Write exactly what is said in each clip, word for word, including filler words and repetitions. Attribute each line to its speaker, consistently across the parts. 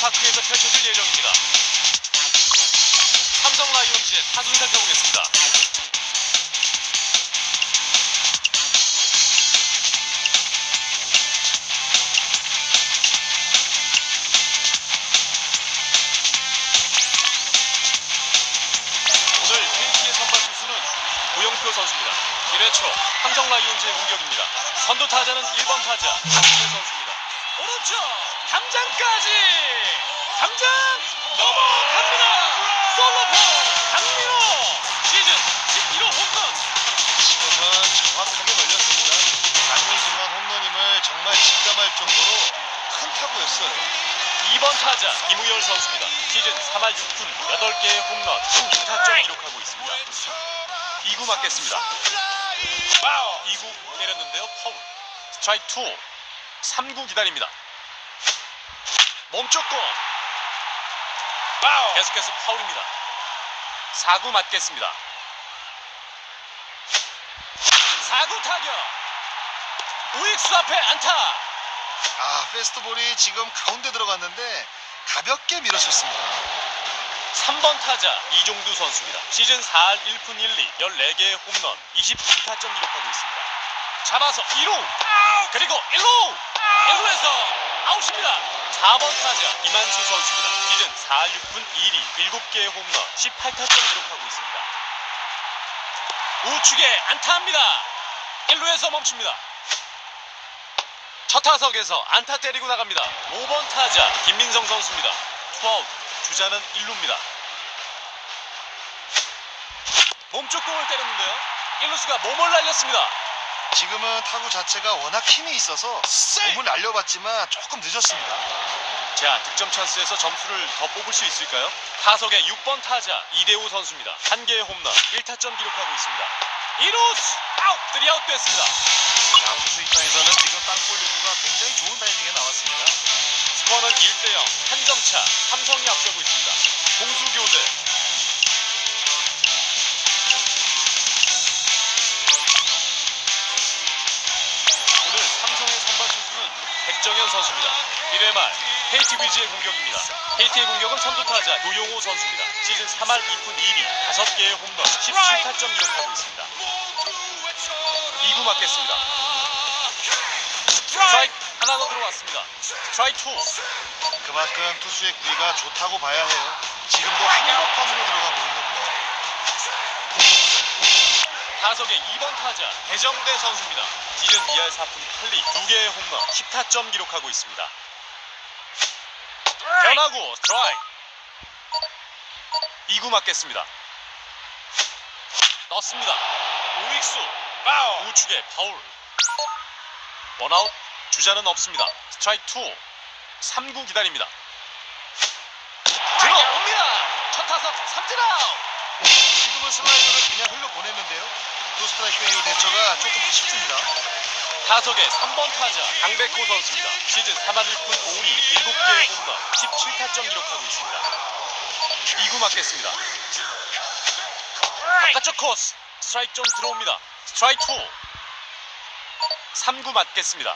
Speaker 1: 벤처파크에서 펼쳐질 예정입니다. 삼성 라이온즈의 타순 살펴보겠습니다. 오늘 케이티의 선발 투수는 고영표 선수입니다. 일 회 초 삼성 라이온즈의 공격입니다. 선두 타자는 일 번 타자 박준혜 선수입니다. 오른쪽 담장까지 담장 넘어갑니다. 솔로포 강민호 시즌 십일 호 홈런.
Speaker 2: 지금은 정확하게 걸렸습니다. 장민승환 홈런임을 정말 직감할 정도로 큰 타구였어요.
Speaker 1: 이 번 타자 김우열 선수입니다. 시즌 삼 할 육 푼 여덟 개의 홈런 십육 타점 기록하고 있습니다. 이 구 맞겠습니다. 이 구 때렸는데요. 파울. 스트라이크 이. 삼 구 기다립니다. 멈췄고 계속해서 파울입니다. 사 구 맞겠습니다. 사 구 타격. 우익수 앞에 안타.
Speaker 2: 아, 패스트볼이 지금 가운데 들어갔는데 가볍게 밀어쳤습니다.
Speaker 1: 삼 번 타자 이종두 선수입니다. 시즌 사 할 일 푼 일 리 열네 개의 홈런 이십구 타점 기록하고 있습니다. 잡아서 이 루 그리고 일 루 일 루에서 아웃입니다. 사 번 타자 이만수 선수입니다. 시즌 사 할 육 푼 이 리 일곱 개의 홈런 십팔 타점 기록하고 있습니다. 우측에 안타합니다. 일 루에서 멈춥니다. 첫 타석에서 안타 때리고 나갑니다. 오 번 타자 김민성 선수입니다. 투아웃 주자는 일 루입니다. 몸쪽 공을 때렸는데요. 일 루수가 몸을 날렸습니다.
Speaker 2: 지금은 타구 자체가 워낙 힘이 있어서 몸을 날려봤지만 조금 늦었습니다.
Speaker 1: 자, 득점 찬스에서 점수를 더 뽑을 수 있을까요? 타석의 육 번 타자 이대호 선수입니다. 한 개의 홈런 일 타점 기록하고 있습니다. 이 루수 아웃! 쓰리 아웃 됐습니다.
Speaker 2: 자, 투수 입장에서는 지금 땅볼 유도가 굉장히 좋은 타이밍에 나왔습니다.
Speaker 1: 스코어는 일 대 영 한 점 차 삼성이 앞서고 있습니다. 공수 교대. 오늘 삼성의 선발 투수는 백정현 선수입니다. 일 회 말 케이티 위즈의 공격입니다. 케이티의 공격은 선두 타자 도용호 선수입니다. 시즌 삼 할 이 푼 이 리 다섯 개의 홈런 십칠 타점 기록하고 있습니다. 이 구 맞겠습니다. 스트라이크 하나 더 들어왔습니다. 스트라이크 이.
Speaker 2: 그만큼 투수의 구위가 좋다고 봐야 해요. 지금도 한복판으로 들어간 공이거든요.
Speaker 1: 타석의 이 번 타자 배정대 선수입니다. 시즌 이 할 사 푼 팔 리 두 개의 홈런 십 타점 기록하고 있습니다. 변화구 스트라이크. 이 구 맞겠습니다. 떴습니다. 우익수 우측에 파울. 원아웃 주자는 없습니다. 스트라이크 이. 삼 구 기다립니다. 들어옵니다. 첫 타석 삼진 아웃.
Speaker 2: 지금은 슬라이더를 그냥 흘려보냈는데요. 두 스트라이크 이후 대처가 조금 아쉽습니다.
Speaker 1: 타석의 삼 번 타자 강백호 선수입니다. 시즌 삼 할 일 푼 오 리 일곱 개의 홈런 십칠 타점 기록하고 있습니다. 이 구 맞겠습니다. 바깥쪽 코스 스트라이크 좀 들어옵니다. 스트라이크 이. 삼 구 맞겠습니다.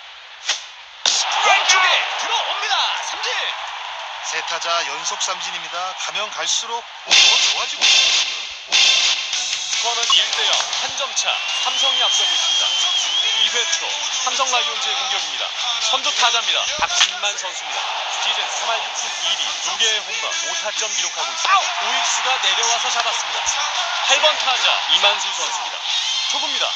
Speaker 1: 왼쪽에 들어옵니다. 삼진.
Speaker 2: 세 타자 연속 삼진입니다. 가면 갈수록 더 좋아지고 있거든요.
Speaker 1: 스코어는 일 대 영 한 점 차 삼성이 앞서고 있습니다. 이 회 초 삼성 라이온즈의 공격입니다. 선두 타자입니다. 박진만 선수입니다. 시즌 삼 할 육 푼 이 리 두 개의 홈런 오 타점 기록하고 있습니다. 우익수가 내려와서 잡았습니다. 팔 번 타자 이만수 선수입니다. 초구입니다.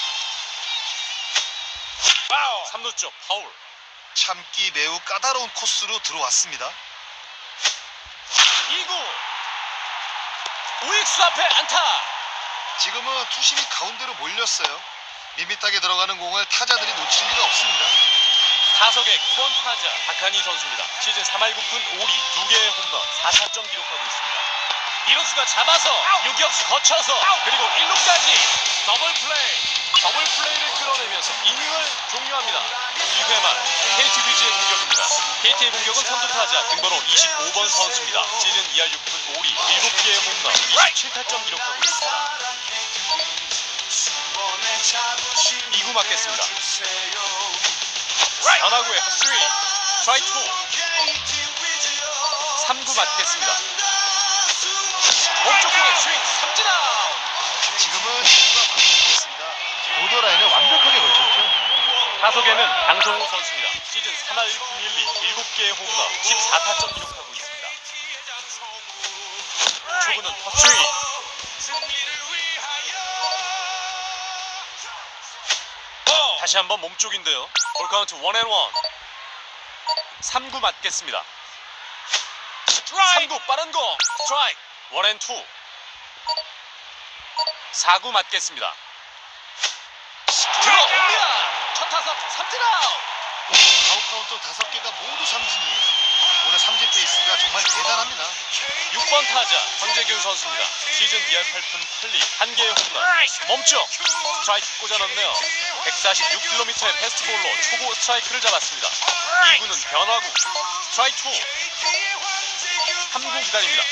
Speaker 1: 삼 루 쪽 파울.
Speaker 2: 참기 매우 까다로운 코스로 들어왔습니다.
Speaker 1: 이 구 우익수 앞에 안타.
Speaker 2: 지금은 투심이 가운데로 몰렸어요. 밋밋하게 들어가는 공을 타자들이 놓칠 리가 없습니다.
Speaker 1: 타석의 구 번 타자 박한희 선수입니다. 시즌 삼 할 구 푼 오 리 두 개의 홈런 사 타점 기록하고 있습니다. 이루수가 잡아서 유격수 거쳐서 그리고 일 루까지 더블 플레이. 더블 플레이를 끌어내면서 이닝을 종료합니다. 이 회 말 케이티 위즈의 공격입니다. 케이티의 공격은 선두 타자 등번호 이십오 번 선수입니다. 시즌 이 할 육 푼 오 리 일곱 개의 홈런 이십칠 타점 기록하고 있습니다. 이 구 맞겠습니다. 변화구의 핫스윙 스트라이크 이. 삼 구 맞겠습니다. 몸쪽 공의 스윙 삼진 아웃.
Speaker 2: 지금은 시구가 완벽했습니다. 보더라인을 완벽하게 걸쳤죠.
Speaker 1: 타석에는 강성우 선수입니다. 시즌 삼 할 일 푼 일 리 일곱 개의 홈런 십사 타점 기록하고 있습니다. 초구는 헛스윙. 다시 한번 몸쪽인데요. 볼 카운트 원 앤 원. 삼 구 맞겠습니다. 삼 구 빠른 공 스트라이크. 원 앤 투. 사 구 맞겠습니다. 들어옵니다. 첫 타석 삼진 아웃.
Speaker 2: 아웃 카운트 다섯 개가 모두 삼진이에요. 오늘 삼진 페이스가 정말 대단합니다.
Speaker 1: 육 번 타자 황재균 선수입니다. 시즌 이 할 팔 푼 팔 리 한 개의 홈런. 멈춰 스트라이크 꽂아넣네요. 백사십육 킬로미터의 패스트볼로 초구 스트라이크를 잡았습니다. 이 구는 변화구 스트라이크 투. 삼 구 기다립니다.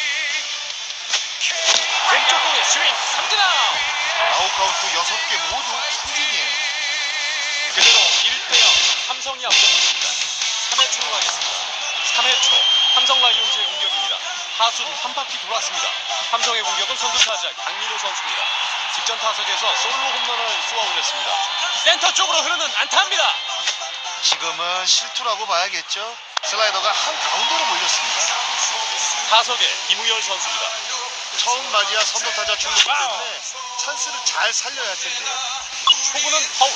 Speaker 1: 왼쪽 공의 스윙 삼진 아웃.
Speaker 2: 아웃 카운트 여섯 개 모두 삼진이에요.
Speaker 1: 그대로 일 대 영 삼성이 앞서고 있습니다. 삼 회 초로 가겠습니다. 삼 회 초 삼성 라이온즈의 공격입니다. 타순 한 바퀴 돌았습니다. 삼성의 공격은 선두타자 강민호 선수입니다. 직전 타석에서 솔로 홈런을 쏘아 올렸습니다. 센터 쪽으로 흐르는 안타입니다.
Speaker 2: 지금은 실투라고 봐야겠죠. 슬라이더가 한 가운데로 몰렸습니다.
Speaker 1: 타석에 김우열 선수입니다.
Speaker 2: 처음 맞이야 선두타자 출루기 때문에 찬스를 잘 살려야 할 텐데요.
Speaker 1: 초구는 파울.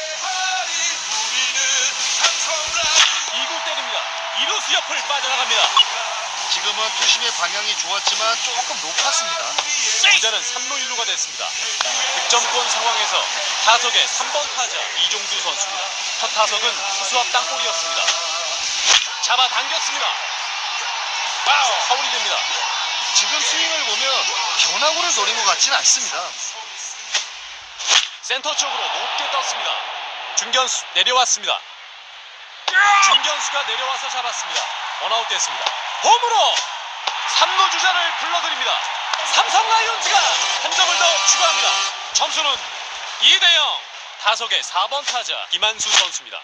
Speaker 1: 이 구 때립니다. 이루수 옆을 빠져나갑니다.
Speaker 2: 지금은 투심의 방향이 좋았지만 조금 높았습니다.
Speaker 1: 주자는 삼 루 일 루가 됐습니다. 득점권 상황에서 타석의 삼 번 타자 이종두 선수입니다. 첫 타석은 투수 앞 땅볼이었습니다. 잡아당겼습니다. 파울이 됩니다.
Speaker 2: 지금 스윙을 보면 변화구를 노린 것 같지는 않습니다.
Speaker 1: 센터 쪽으로 높게 떴습니다. 중견수 내려왔습니다. 중견수가 내려와서 잡았습니다. 원아웃 됐습니다. 홈으로 삼 루 주자를 불러드립니다. 삼성 라이온즈가 한 점을 더 추가합니다. 점수는 이 대 영. 타석의 사 번 타자 김한수 선수입니다.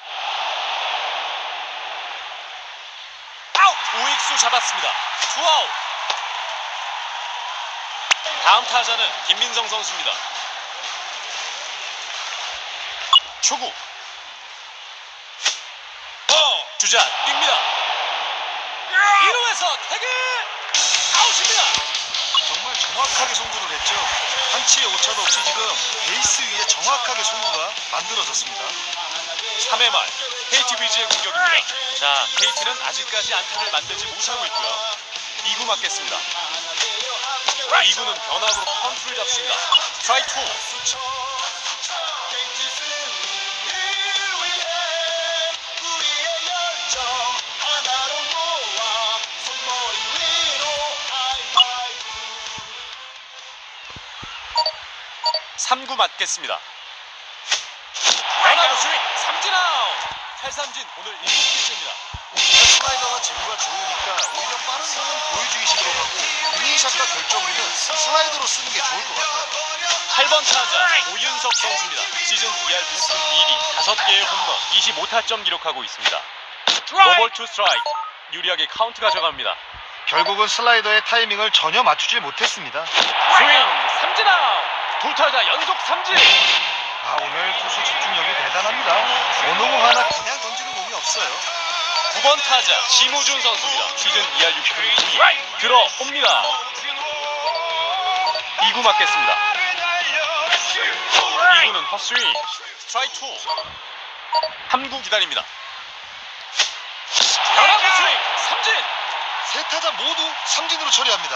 Speaker 1: 아웃! 우익수 잡았습니다. 투아웃. 다음 타자는 김민성 선수입니다. 초구. 주자 뜁니다. 일 루에서 태그 아웃입니다.
Speaker 2: 정말 정확하게 송구를 했죠. 한치의 오차도 없이 지금 베이스 위에 정확하게 송구가 만들어졌습니다.
Speaker 1: 삼 회 말 케이티 위즈의 공격입니다. 자, 케이티는 아직까지 안타를 만들지 못하고 있고요. 이 구 맞겠습니다. 이 구는 변화구로 컨트를 잡습니다. 스트라이크 투. 삼 구 맞겠습니다. 변화구 스윙 삼진 아웃. 탈삼진 오늘 일곱 개째입니다.
Speaker 2: 슬라이더가 제구가 좋으니까 오히려 빠른 공은 보여주기식으로 가고 유닝샷과 결정으로는 슬라이더로 쓰는 게 좋을 것 같아요.
Speaker 1: 팔 번 타자 오윤석 선수입니다. 시즌 이 할 팔 푼 이 리 다섯 개의 홈런 이십오 타점 기록하고 있습니다. 노볼 투 스트라이크. 유리하게 카운트 가져갑니다.
Speaker 2: 결국은 슬라이더의 타이밍을 전혀 맞추지 못했습니다.
Speaker 1: 스윙 삼진 아웃. 두 타자 연속 삼진.
Speaker 2: 아, 오늘 투수 집중력이 대단합니다. 어느 공 하나 그냥 던지는 공이 없어요.
Speaker 1: 구 번 타자 심우준 선수입니다. 시즌 이 할 육 푼 구 리 들어옵니다. 이 구 맞겠습니다. 이 구는 헛스윙 스트라이크 투. 삼 구 기다립니다. 변화구 스윙 삼진.
Speaker 2: 세 타자 모두 삼진으로 처리합니다.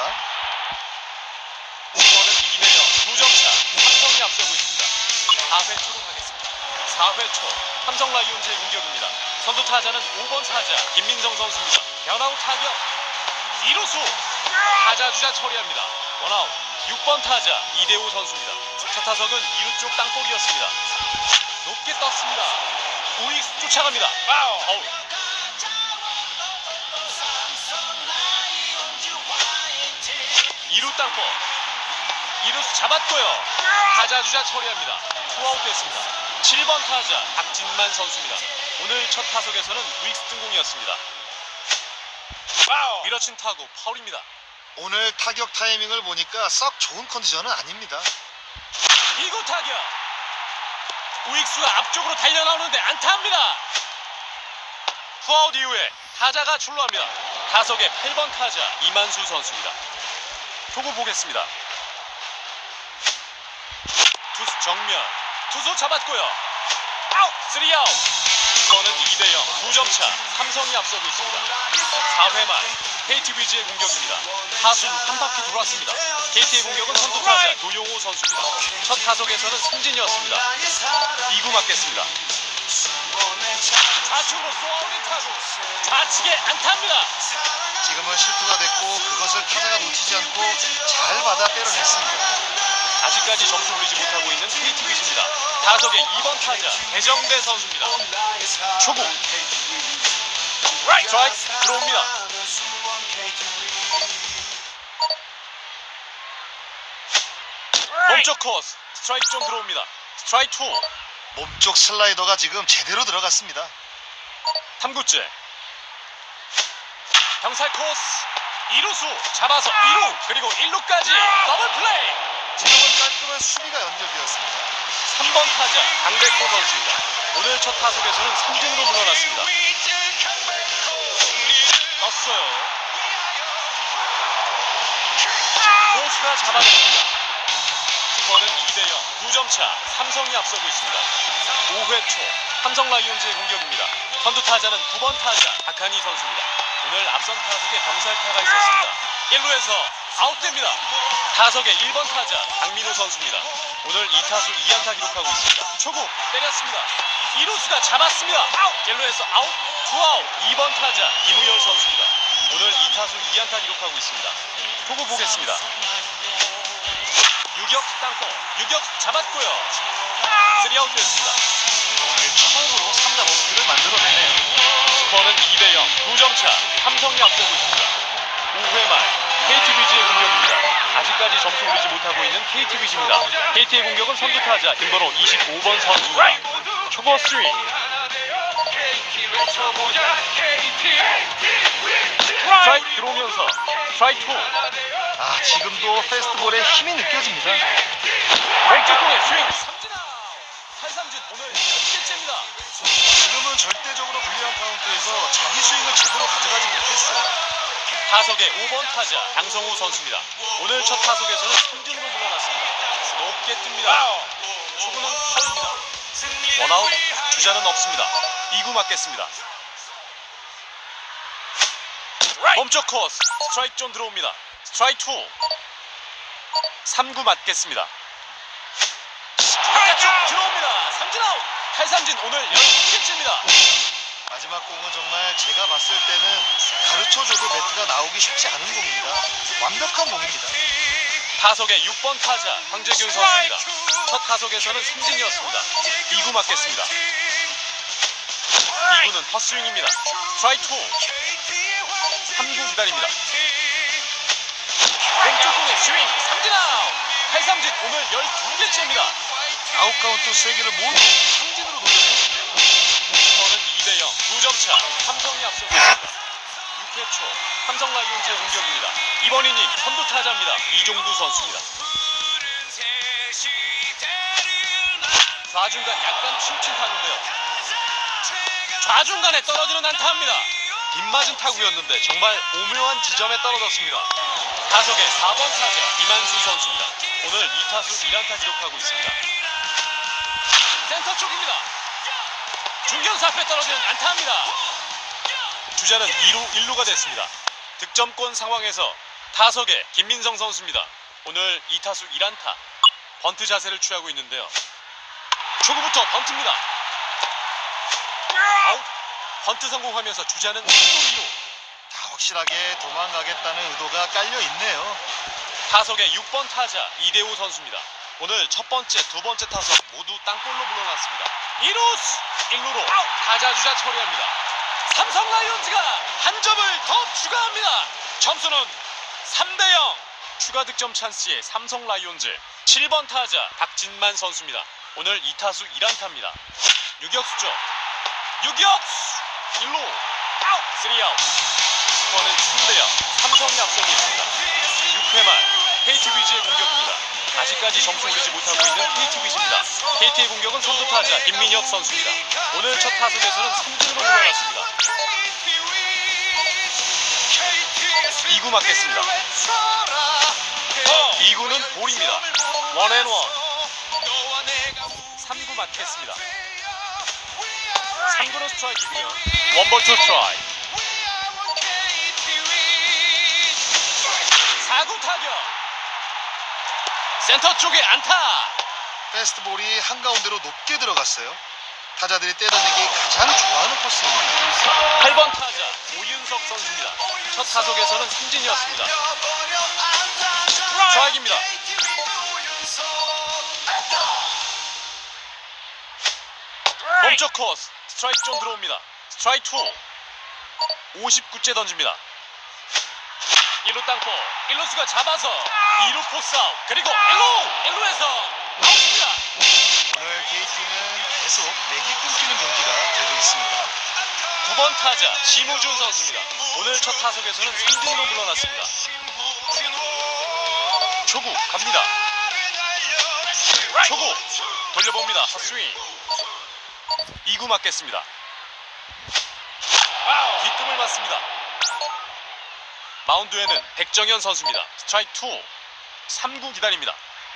Speaker 1: 이번은 이 대 영 두 점 차 삼성이 앞서고 있습니다. 사 회 초로 가겠습니다. 사 회 초 삼성 라이온즈의 공격입니다. 선두 타자는 오 번 타자 김민성 선수입니다. 변화구 타격 이루수. 타자 주자 처리합니다. 원아웃. 육 번 타자 이대호 선수입니다. 첫 타석은 이루 쪽 땅볼이었습니다. 높게 떴습니다. 우익수 쫓아갑니다. 아웃. 이루 땅볼. 이루수 잡았고요. 타자 주자 처리합니다. 투아웃 됐습니다. 칠 번 타자 박진만 선수입니다. 오늘 첫 타석에서는 우익수 등공이었습니다. 밀어친 타구 파울입니다.
Speaker 2: 오늘 타격 타이밍을 보니까 썩 좋은 컨디션은 아닙니다.
Speaker 1: 이 구 타격. 우익수가 앞쪽으로 달려나오는데 안타입니다. 투아웃 이후에 타자가 출루합니다. 타석의 팔 번 타자 이만수 선수입니다. 초구 보겠습니다. 투수 정면. 투수 잡았고요. 아웃! 쓰리 아웃. 스코어는 이 대 영. 두 점 차. 삼성이 앞서고 있습니다. 사 회 말 케이티 위즈의 공격입니다. 타순 한 바퀴 돌았습니다. 케이티의 공격은 선두 타자 도용호 선수입니다. 첫 타석에서는 승진이었습니다. 이 구 맞겠습니다. 좌측으로 쏘아올린 타구. 좌측에 안타입니다.
Speaker 2: 지금은 실투가 됐고 그것을 타자가 놓치지 않고 잘 받아 때려냈습니다.
Speaker 1: 아직까지 점수 올리지 못하고 있는 케이티 위즈입니다. 타석의 이 번 타자 배정대 선수입니다. 초구 스트라이크 들어옵니다. 몸쪽 코스 스트라이크 좀 들어옵니다. 스트라이크 투.
Speaker 2: 몸쪽 슬라이더가 지금 제대로 들어갔습니다.
Speaker 1: 삼 구째 병살 코스 이 루수 잡아서 이 루 그리고 일 루까지 더블 플레이.
Speaker 2: 지금은 깔끔한 수비가 연결되었습니다.
Speaker 1: 삼 번 타자 강백호 선수입니다. 오늘 첫 타석에서는 삼진으로 물러났습니다. 떴어요. 코스가 잡아냈습니다. 스코어는 이 대 영. 두 점 차. 삼성이 앞서고 있습니다. 오 회 초 삼성 라이온즈의 공격입니다. 선두 타자는 구 번 타자 박한희 선수입니다. 오늘 앞선 타석에 병살타가 있었습니다. 일 루에서 아웃됩니다. 타석의 일 번 타자 강민호 선수입니다. 오늘 이 타수 이 안타 기록하고 있습니다. 초구 때렸습니다. 이 루수가 잡았습니다. 아웃. 일 루에서 아웃. 투 아웃. 이 번 타자 김우열 선수입니다. 오늘 이 타수 이 안타 기록하고 있습니다. 초구 보겠습니다. 유격 땅볼. 유격 잡았고요. 쓰리 아웃 됐습니다.
Speaker 2: 오늘 처음으로 삼 자 범퇴를 만들어내네요.
Speaker 1: 스코어는 이 대 영. 두 점 차. 삼성이 앞서고 있습니다. 오 회 말 케이티 위즈의 공격입니다. 아직까지 점수 올리지 못하고 있는 케이티 위즈입니다. 케이티의 공격은 선두 타자 김번호 이십오 번 선수입니다. 초보 쓰리. 스트라이크 들어오면서 스트라이크 투.
Speaker 2: 아, 지금도 페스트볼에 힘이 느껴집니다.
Speaker 1: 왼쪽 공에 스윙. 삼진 아웃. 탈삼진 오늘 열 개째입니다.
Speaker 2: 지금은 절대적으로 불리한 카운트에서 자기 스윙을 제대로 가져가지 못했어요.
Speaker 1: 타석의 오 번 타자 강성우 선수입니다. 오늘 첫 타석에서는 삼진으로 물러났습니다. 높게 뜹니다. 초구는 파울입니다. 원아웃. 주자는 없습니다. 이 구 맞겠습니다. 몸쪽 코스 스트라이크 좀 들어옵니다. 스트라이크 투. 삼 구 맞겠습니다. 바깥쪽 들어옵니다. 삼진 아웃. 탈삼진 오늘 열두 개째입니다.
Speaker 2: 마지막 공은 정말 제가 봤을 때는 가르쳐줘도 배트가 나오기 쉽지 않은 공입니다. 완벽한 공입니다.
Speaker 1: 타석의 육 번 타자 황재균 선수입니다. 첫 타석에서는 삼진이었습니다. 이 구 맞겠습니다. 이 구는 헛스윙입니다. 스트라이크 투. 삼 구 기다립니다. 왼쪽 공의 스윙. 삼진 아웃. 탈삼진 오늘 열두 개째입니다.
Speaker 2: 아웃 카운트 세 개를 모두 삼진으로 돌려내는데요.
Speaker 1: 스코어는 이 대 영. 두 점 차. 삼성이 앞서고 있습니다. 육 회 초 삼성 라이온즈의 공격입니다. 이번 이닝 선두 타자입니다. 이종두 선수입니다. 좌중간 약간 침침하는데요. 좌중간에 떨어지는 안타입니다. 빗맞은 타구였는데 정말 오묘한 지점에 떨어졌습니다. 타석의 사 번 타자 이만수 선수입니다. 오늘 이 타수 일 안타 기록하고 있습니다. 센터 쪽입니다. 중견수 앞에 떨어지는 안타입니다. 주자는 이 루 일 루가 됐습니다. 득점권 상황에서 타석의 김민성 선수입니다. 오늘 이 타수 일 안타 번트 자세를 취하고 있는데요. 초구부터 번트입니다. 아웃. 번트 성공하면서 주자는 일 루 이 루.
Speaker 2: 다 확실하게 도망가겠다는 의도가 깔려 있네요.
Speaker 1: 타석의 육 번 타자 이대호 선수입니다. 오늘 첫 번째, 두 번째 타석 모두 땅볼로 물러났습니다. 이 루수 일 루로 타자 주자 처리합니다. 삼성 라이온즈가 한 점을 더 추가합니다. 점수는 삼 대 영. 추가 득점 찬스의 삼성 라이온즈 칠 번 타자 박진만 선수입니다. 오늘 이 타수 일 안타입니다. 유격수죠. 유격수 일 루 아웃. 쓰리 아웃. 스코어는 삼 대 영. 삼성이 앞서고 있습니다. 육 회 말 케이티 위즈의 공격입니다. 아직까지 점수 올리지 못하고 있는 케이티 위즈입니다. 케이티의 공격은 선두 타자 김민혁 선수입니다. 오늘 첫 타석에서는 삼진으로 물러났습니다. 이 구 맞겠습니다. 이 구는 볼입니다. 원앤원. 삼 구 맞겠습니다. 삼 구는 스트라이크이고요. 원볼 투 트라이. 사 구 타격. 센터 쪽에 안타.
Speaker 2: 패스트볼이 한가운데로 높게 들어갔어요. 타자들이 때려내기 가장 좋아하는 코스입니다.
Speaker 1: 팔 번 타자 오윤석 선수입니다. 첫 타석에서는 삼진이었습니다. 스트라이크입니다. 몸쪽 코스 스트라이크 존 들어옵니다. 스트라이크 투. 오십구 째 던집니다. 일 루 땅볼. 일 루수가 잡아서 이 루 포스 아웃. 그리고 일 루 일 루에서 아웃입니다.
Speaker 2: 오늘 케이티는 계속 맥이 끊기는 경기가 되고 있습니다.
Speaker 1: 구 번 타자 심우준 선수입니다. 오늘 첫 타석에서는 삼진으로 물러났습니다. 초구 갑니다. 초구 돌려봅니다. 헛스윙. 이 구 맞겠습니다. 뒷꿈을 맞습니다. 마운드에는 백정현 선수입니다. 스트라이크 투. 삼 구 기다립니다.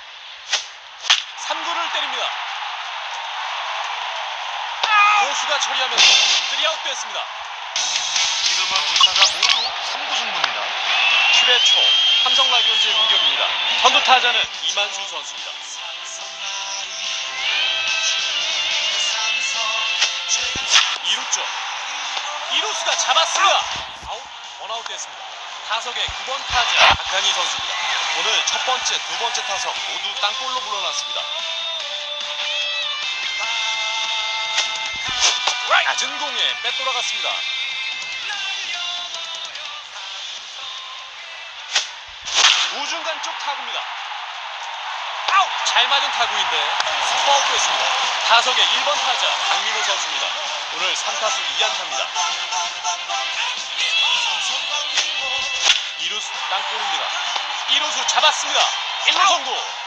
Speaker 1: 삼 구를 때립니다. 고수가 처리하면서 쓰리 아웃 됐습니다.
Speaker 2: 지금은 두 타자 모두 삼 구 승부입니다.
Speaker 1: 칠 회 초 삼성 라이온즈의 공격입니다. 선두 타자는 이만수 선수입니다. 이 루 쪽 이 루수가 잡았습니다. 아웃 원아웃 됐습니다. 타석의 구 번 타자 박한희 선수입니다. 오늘 첫 번째, 두 번째 타석 모두 땅볼로 물러났습니다. 낮은 공에 빼돌아갔습니다. 우중간 쪽 타구입니다. 아웃! 잘 맞은 타구인데 스포아웃 됐습니다. 타석의 일 번 타자 강민호 선수입니다. 오늘 삼 타수 이 안타입니다. 이 루수 땅볼입니다. 이 루수 잡았습니다. 일 루 송구.